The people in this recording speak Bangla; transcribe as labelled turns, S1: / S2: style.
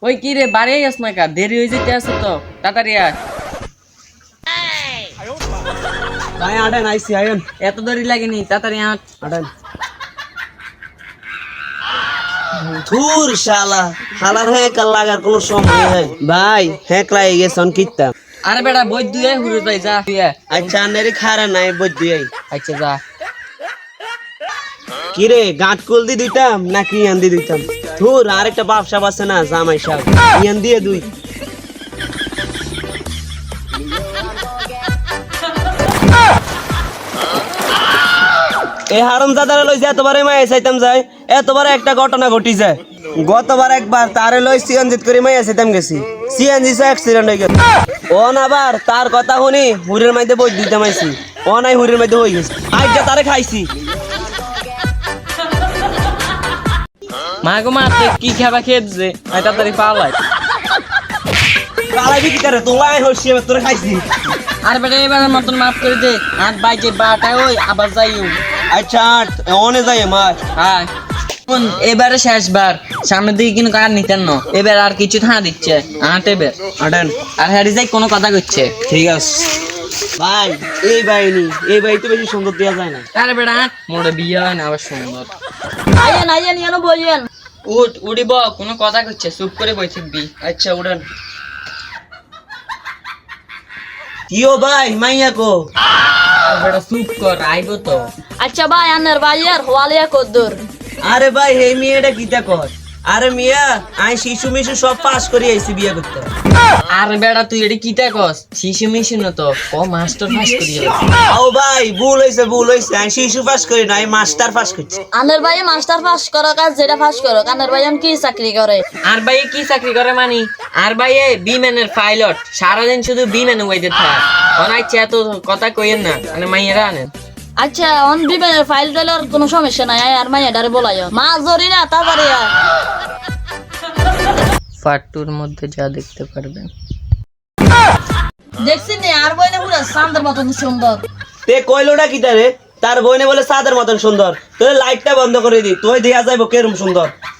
S1: ওই কি রে বাড়ি আস না কা দেরি হয়ে যেতে আছে তো তাড়াতাড়ি আয়
S2: ভাই আটেন আইসি আয়েন
S1: এত দেরি লাগেনি তাড়াতাড়ি আয়
S2: আটেন ধুর শালা শালার হ্যাক লাগার কোনো সময় নাই ভাই হ্যাক লাগে গেছন কিত্তা
S1: আরে বেটা বই দুয়ে হুরে যাই যা তুই আয়।
S2: আচ্ছা আনেরে খারা নাই বুঝদি আই
S1: আচ্ছা যা
S2: কি রে গাঁট কুল দি দিতাম নাকি ইয়ান দি দিতাম ধুর আরেকটা ব্যবসা আছে না জামাই সাহেব ইয়ান দিয়ে দুই এই হারামজাদারে লই যে এতবারে মাইয়া চাইতাম যাই এতবারে একটা ঘটনা ঘটি যায় গতবার একবার তারে লই সিএনজি করে মাইয়া চাইতাম গেছি সিএনজি সে অ্যাক্সিডেন্ট হয়ে গেল ওন আবার তার কথা শুনি হুরের মধ্যে বই দিতাম আইছি ও নাই হুরের মধ্যে হয়ে গেছে আইজা তারে খাইছি
S1: মা গো মা তুই কি খাবা খেয়ে দিছে তাড়াতাড়ি পালাই
S2: কালাই বিক্রি করে তোলাই হইছি এবার তোরে খাইছি
S1: আর বেটা এবারের মতন মাফ করে দে আট বাইজে বারোটায় ওই আবার যাইও
S2: আচ্ছা অনে যাই মাছ
S1: হ্যাঁ এবারে শেষবার সামনের দিকে কিন্তু কার নিতেন না এবার আর কিছু থানা দিচ্ছে আট এবার
S2: আটেন
S1: আর হ্যারি যাই কোনো কথা করছে
S2: ঠিক আছে ভাই এই বাই তো বেশি সুন্দর দেওয়া যায় না
S1: আরে বেটা মোড়ে বিয়ে হয় না আবার সুন্দর
S3: আইয়েন আইয়েন ইয়ানো বইয়েন
S1: উঠ উড়িব কোনো কথা করছে চুপ করে বই থাকবি
S2: আচ্ছা উড়ান কিও ভাই মাইয়া কো
S1: আর বেটা চুপ কর আইব তো
S3: আচ্ছা ভাই আনের ভাইয়ার হওয়ালিয়া কদ্দুর
S2: আরে ভাই হে মেয়েটা কিতা কর আরে মিয়া আই শিশু মিশু সব পাস করে আইছি বিয়ে করতে
S1: আর বেটা তুই এটি কিতা কস শিশু মিশু না তো ও মাস্টার পাস করি
S2: ও ভাই ভুল হইছে আই শিশু পাস করি না আমি মাস্টার পাস করছি
S3: আনের ভাই মাস্টার পাস করো কাজ যেটা পাস করো আনের ভাই কি চাকরি করে
S1: আর ভাই কি চাকরি করে মানি আর ভাই বিমানের পাইলট সারাদিন শুধু বিমানে ওইদের থাকে অনাইছে এত কথা কইেন না মানে মাইয়েরা আনেন
S3: আচ্ছা অন বিমানের ফাইল টাইলের কোনো সমস্যা নাই আর মাইয়া ডারে বলাইও মা জরি না তাড়াতাড়ি আয়
S1: পার্টুর মধ্যে যা দেখতে পারবেন
S3: দেখছি নে আর বই না পুরো সান্দের মতন সুন্দর
S2: তে কইলোটা কিতা রে তার বইনে বলে সাদের মতন সুন্দর তোর লাইটটা বন্ধ করে দি তুই দেখা যাইব কেরম সুন্দর